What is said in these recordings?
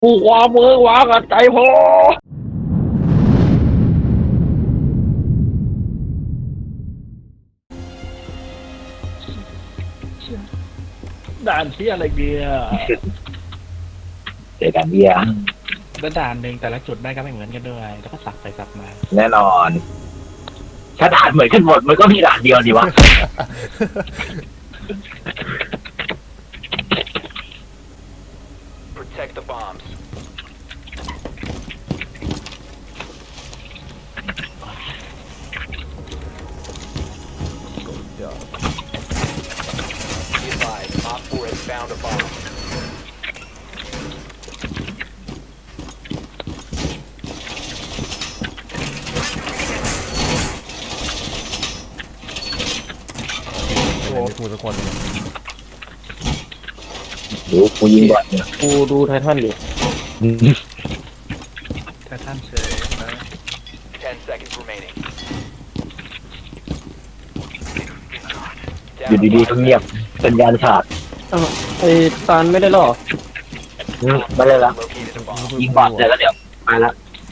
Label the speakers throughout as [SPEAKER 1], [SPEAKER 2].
[SPEAKER 1] ผู้ความมือหวากับใจพอด่านที่อะไรเบียร์
[SPEAKER 2] เจอกันเบียร์
[SPEAKER 1] แล้วด่านหนึ่งแต่ละจุดแม่งก็ไม่เหมือนกันด้วยแล้วก็สับไปสับมา
[SPEAKER 2] แน่นอน ถ้าด่านเหมือนกันหมดมันก็มีด่านเดียวดีวะ
[SPEAKER 3] Protect the bombs. Be advised, Op 4 has found a bomb.
[SPEAKER 4] ไม่พูดสักคนเลย
[SPEAKER 2] ดูกูยิงบอลเนี่ย
[SPEAKER 5] กูดูไททันอยู่
[SPEAKER 1] แต่ท่านเฉยนะ
[SPEAKER 3] 10 seconds remaining.
[SPEAKER 2] อยู่ดีๆก็เงียบสัญญาณขาด
[SPEAKER 5] อ้าวไอ้ตาลไม่ได้หรอ
[SPEAKER 2] ไม่เลยละ
[SPEAKER 3] Located a bomb.
[SPEAKER 2] ยิงบอลเสร็จแล้วเดี๋ยวไปละ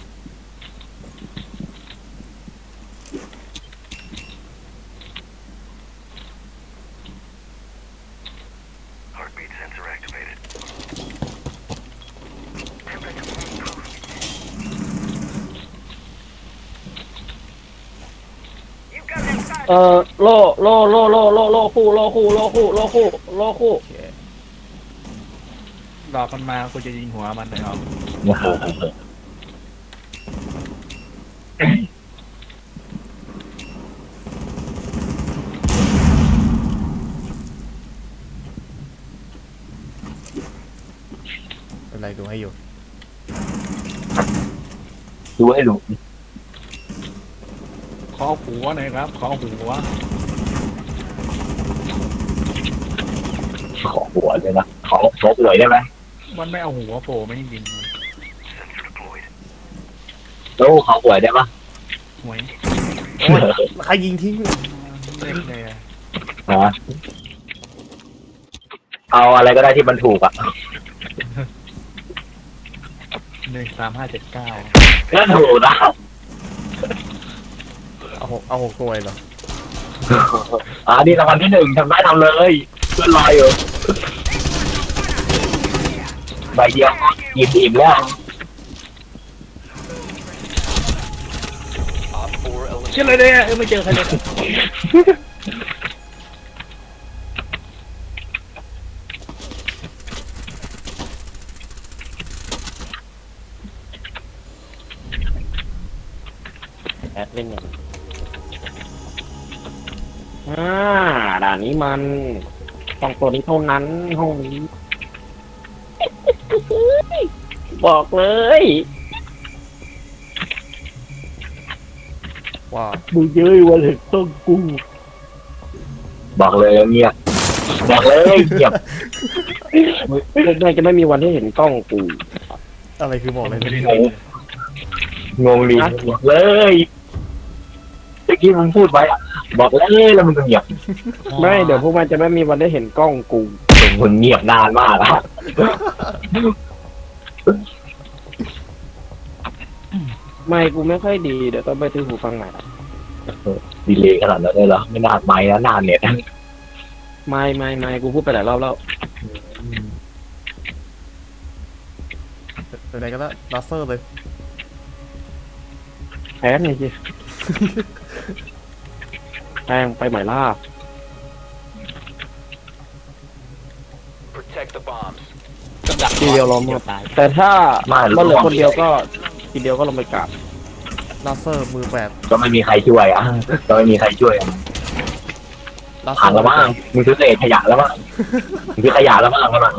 [SPEAKER 5] โล่คู่
[SPEAKER 1] ดอกมันมากูจะยิงหัวมันเลยเอา
[SPEAKER 4] เป็นไรดูให้อยู่
[SPEAKER 2] ดูให้ดู
[SPEAKER 1] ขอหัวหน่อยครับขอหัว
[SPEAKER 2] ขอหัวเลยนะขอครบเลยได้ไหม
[SPEAKER 1] มันไม่เอาหัวโผล่ไม่ยิง
[SPEAKER 2] โอ้ขอหัวได้ปะ
[SPEAKER 1] หวย
[SPEAKER 4] โอ้ยใครยิงทิ้ง
[SPEAKER 1] เล็กเลยอะ
[SPEAKER 2] ฮะเอาอะไรก็ได้ที่มันถูกอ่ะ
[SPEAKER 1] 13579
[SPEAKER 2] นั่นถูกนะ
[SPEAKER 4] เอาหกตัวเหรอ
[SPEAKER 2] นี่รางวัลที่ 1ทำได้ทำเลยเพื่อนรออยู่ใบเดียวอิ่มแล้ว
[SPEAKER 3] Op 4
[SPEAKER 1] เชื่อ
[SPEAKER 3] eliminated.
[SPEAKER 1] เลยเนี่ยไม่เจอใครเลย
[SPEAKER 5] แอดเล่นอย่างด่านนี้มันต้องตัวนี้เท่านั้นห้องนี้ บอกเลย
[SPEAKER 4] ว่า
[SPEAKER 5] มึงเย้ยวันเห็นต้องกู
[SPEAKER 2] บอกเลยเงียบบอกเลยเงียบ
[SPEAKER 5] น่าจะไม่มีวันที่เห็นกล้องกู
[SPEAKER 4] อะไรคือบอกเลย
[SPEAKER 1] ไม่ได้
[SPEAKER 2] งงงงดิบอกเลยเมื่อกี้มึงพูดไว้อะบอกเลยแล้วมึงก็เงียบ
[SPEAKER 5] ไม่เดี๋ยวพวกมันจะไม่มีวันได้เห็นกล้องกู
[SPEAKER 2] มึงเงียบนานมากอะ
[SPEAKER 5] ไม่กูไม่ค่อยดีเดี๋ยวต้องไปซื้อหูฟังใหม่ละ
[SPEAKER 2] ดีเลยขนาดนั้นเลยเหรอไม่นานไหมนะนานเนี่ย
[SPEAKER 5] ไม่กูพูดไปหลายรอบแล้ว
[SPEAKER 4] เป็นไรก็ได้ลัสเซอร์เลย
[SPEAKER 5] แพ้ไงสิแพงไปใหม่ล่า
[SPEAKER 3] Protect the bombs.
[SPEAKER 5] ทีเดียวล้มหมดแต่ถ้ามันเหลือคนเดียวก็ทีเดียวก็ลงไปกราบ
[SPEAKER 4] ลัสเซอร์มือแปด
[SPEAKER 2] ก็ไม่มีใครช่วยอ่ะก็ไม่มีใครช่วยอะ
[SPEAKER 4] ลัสเซ
[SPEAKER 2] ผ่า
[SPEAKER 4] อน ร์
[SPEAKER 2] แล้วมั้งมึงซื้อเศษขยะแล้วมั้งมึงซื้อขยะแล้วมั้งมั้ง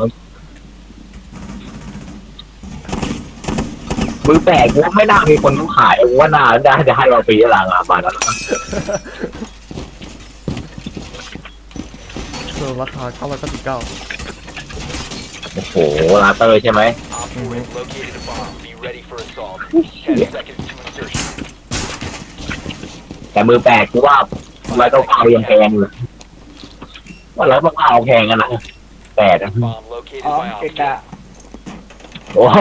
[SPEAKER 2] มือแปลกกูว่าไม่น่ามีคนต้องขายกูว่าน่าได้จะให้เราฟรีหลังอ่ะมาแล้ว
[SPEAKER 4] ราคา999
[SPEAKER 2] โอ้โหลาเตอร์ใช่ไหม
[SPEAKER 3] Op 4 has located a bomb. Be ready for assault. 10 seconds to insertion.
[SPEAKER 2] แต่มือแปลกกูว่าร้อยเก้าเก้ายังแพงอยู่ว่าร้อยเก้าเก้าแพงกันนะแปด
[SPEAKER 3] Bomb located
[SPEAKER 1] อ๋อ
[SPEAKER 3] by
[SPEAKER 1] เก
[SPEAKER 3] Op
[SPEAKER 1] กะ
[SPEAKER 3] 4.
[SPEAKER 2] โอ้โห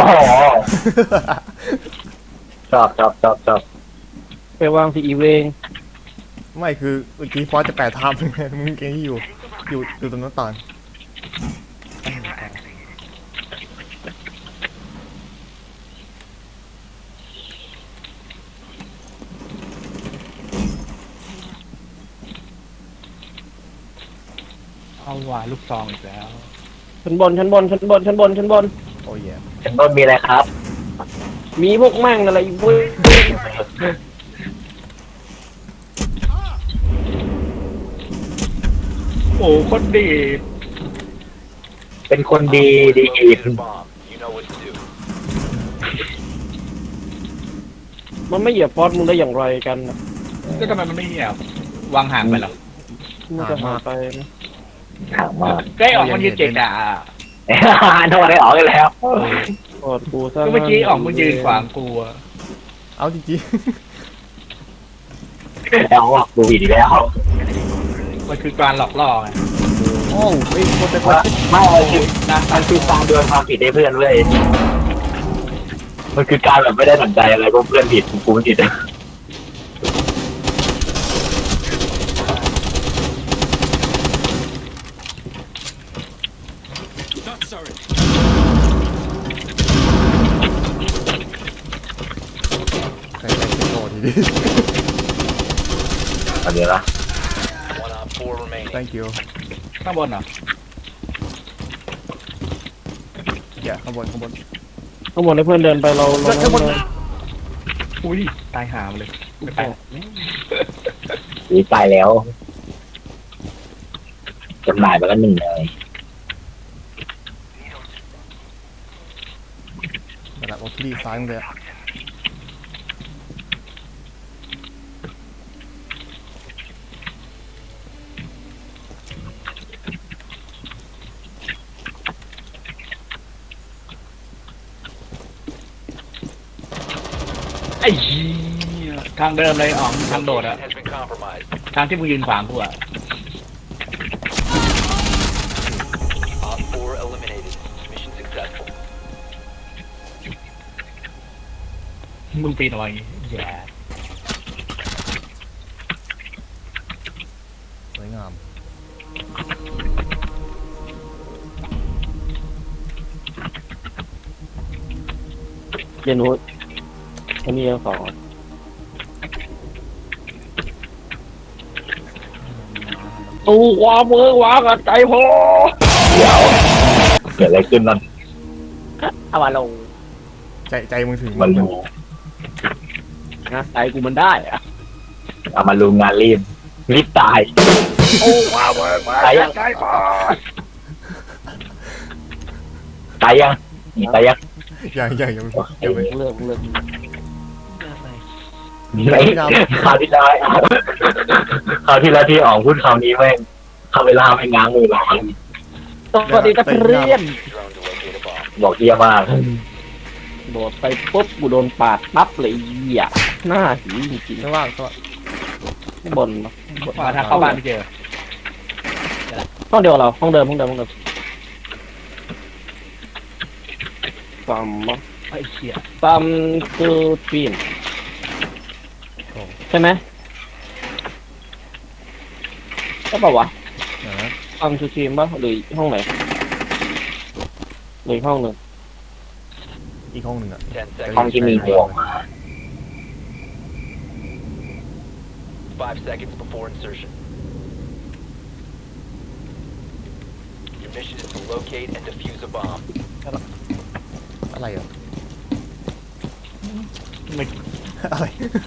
[SPEAKER 2] ชอบ
[SPEAKER 5] ไปวางสีอีเวง
[SPEAKER 4] ไม่คือเมื่อกี้ฟอสจะแปะทับไงมึงเก่งที่อยู่ตรงหน้าต่าง
[SPEAKER 1] เอาว่าลูกซองอีกแล้ว
[SPEAKER 5] ชั้นบน
[SPEAKER 4] โอ้ยแย่
[SPEAKER 2] เป็นต้นมีอะไรครับ
[SPEAKER 5] มีพวกแม่งอะไรเว้ย
[SPEAKER 1] โอ้คนดี
[SPEAKER 2] เป็นคนดี
[SPEAKER 3] Located a bomb. You know what to do.
[SPEAKER 5] มันไม่เหยียบฟอสมึงได้อย่างไรกันนะ
[SPEAKER 1] ก็ทำไมมันไม่เหี่ยววางห่างไปหรอ
[SPEAKER 5] มึงจะหาไปนะ
[SPEAKER 2] ถามว่า
[SPEAKER 1] ก็ไอ้ออกมันยืนเกะกะ
[SPEAKER 2] โทษได้ออกกันแล้ว
[SPEAKER 5] กอดกูซะ
[SPEAKER 1] ก็เมื่อกี้ออกมันยืนขวางกูอะ
[SPEAKER 4] เอาจริง
[SPEAKER 2] แล้วออกกูอีกแล้ว
[SPEAKER 1] มันคือการหลอกล่อไง
[SPEAKER 4] ๆโอ้ไม่คนแต่คน
[SPEAKER 2] ไม่มันคือการโยนความผิดให้เพื่อนเว้ยมันคือการแบบไม่ได้สนใจอะไรก็เพื่อนผิดกูไม่ผิด
[SPEAKER 4] ใครๆโดนทีนี้
[SPEAKER 2] อันนี้ละ
[SPEAKER 3] One on 4 remaining.
[SPEAKER 4] thank you
[SPEAKER 1] ข้างบนเหรอ
[SPEAKER 4] อย่าข้างบน
[SPEAKER 5] ข้างบนให้เพื่อนเดินไปเรา
[SPEAKER 4] ข้างบน
[SPEAKER 5] เดิน
[SPEAKER 1] อุ้ยตายหามเลยไม่ไป
[SPEAKER 2] นี่ตายแล้วจำหน่ายไปแล้วหนึ่งเลย
[SPEAKER 4] ระดับออฟลี่ซ้ายมึงเลยอะ
[SPEAKER 1] ไอ้เหี้ยทางเดิมเลยอ๋องทางโดดอะ
[SPEAKER 3] Has been compromised.
[SPEAKER 1] ทางที่มึงยืนขวางกูอะ
[SPEAKER 3] Op 4 eliminated. Mission successful.
[SPEAKER 1] มึงปีนเอาไว้แย่
[SPEAKER 4] สวยงาม
[SPEAKER 5] เรียนรู้อันนี้ยังสองตู้ความมือวางกับใจพอ
[SPEAKER 2] เดี๋ยวเกิดอะไรขึ้นนั่น
[SPEAKER 5] เอามาลง
[SPEAKER 4] ใจมึงถึง
[SPEAKER 2] มันรู้
[SPEAKER 5] นะใจกูมันได้อะ
[SPEAKER 2] เอามาลุงงานรีบตาย
[SPEAKER 5] โอ้ว้าวว้าว
[SPEAKER 2] ตายยัง
[SPEAKER 5] ใจพอ
[SPEAKER 2] ตายยังนี่ตายยัง
[SPEAKER 4] ยังไม่
[SPEAKER 5] เลิก
[SPEAKER 2] ไม่คราวที่แล้วที่ออกพูดคำนี้แม่งเข้าเวลาไม่ง้างมือหรอก
[SPEAKER 5] สวัสดีนักเรียน
[SPEAKER 3] Drone to locate a bomb.
[SPEAKER 2] บอกเยี่ยมาก
[SPEAKER 5] โดดไปปุ๊บกูโดนปาดปั๊บเลยเหี้ยหน้าหีจริง
[SPEAKER 4] ข้างล่างก็
[SPEAKER 5] ๆบน
[SPEAKER 1] มาทางเข้าบ้านไม่เจอ
[SPEAKER 5] ห้องเดียวเราห้องเดิมซัม
[SPEAKER 1] ไอ้เหี้ย
[SPEAKER 5] ซัมคือปีนใช่ไหมใช่ป่าวะ
[SPEAKER 4] นะ
[SPEAKER 5] ซัมคือทีมป่ะหรือห้องไหนหรือห้องหนึ่ง
[SPEAKER 4] อีกห้องหนึ่งอะ
[SPEAKER 3] 10
[SPEAKER 2] ห้อง
[SPEAKER 3] seconds.
[SPEAKER 2] ที่มีห่วงมา
[SPEAKER 3] 5 seconds before insertion. Your mission is to locate and defuse a bomb.
[SPEAKER 4] อะไรอ่ะ
[SPEAKER 1] ไม่
[SPEAKER 4] อะไร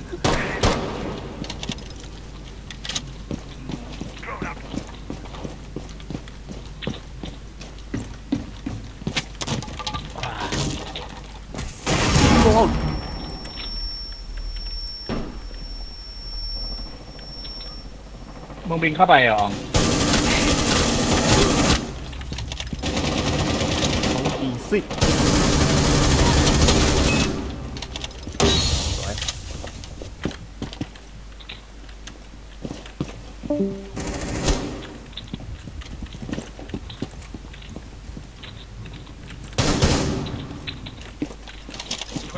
[SPEAKER 1] มึงบินเข้าไปเหรออ๋อง
[SPEAKER 4] อีซี่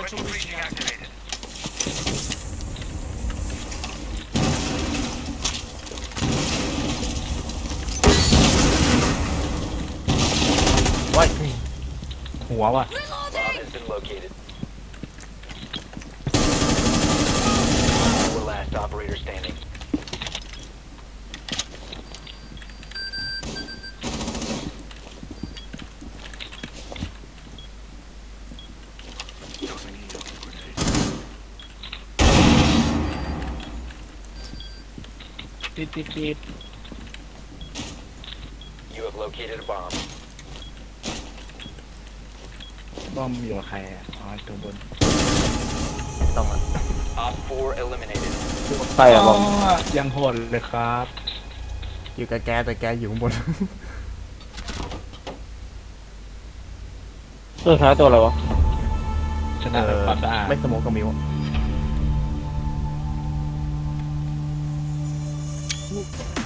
[SPEAKER 4] ว้าย
[SPEAKER 1] หัวว่ะ
[SPEAKER 3] Bomb has been located. Four last operator standing.
[SPEAKER 1] Beep.
[SPEAKER 3] You have located a bomb.
[SPEAKER 1] บอมอยู่กับใครอ่ะอ๋อตัวบน
[SPEAKER 4] ต้องอ่ะ
[SPEAKER 3] Op 4 eliminated.
[SPEAKER 5] ใครอะบอม
[SPEAKER 1] ยังโหดเลยครับ
[SPEAKER 4] อยู่กับแกแต่แกอยู่ข้างบน
[SPEAKER 5] ตัวท้ายตัวอะไรวะ
[SPEAKER 1] ชนะแบบความสะอาด
[SPEAKER 4] ไม่สโมกกับมิวอะ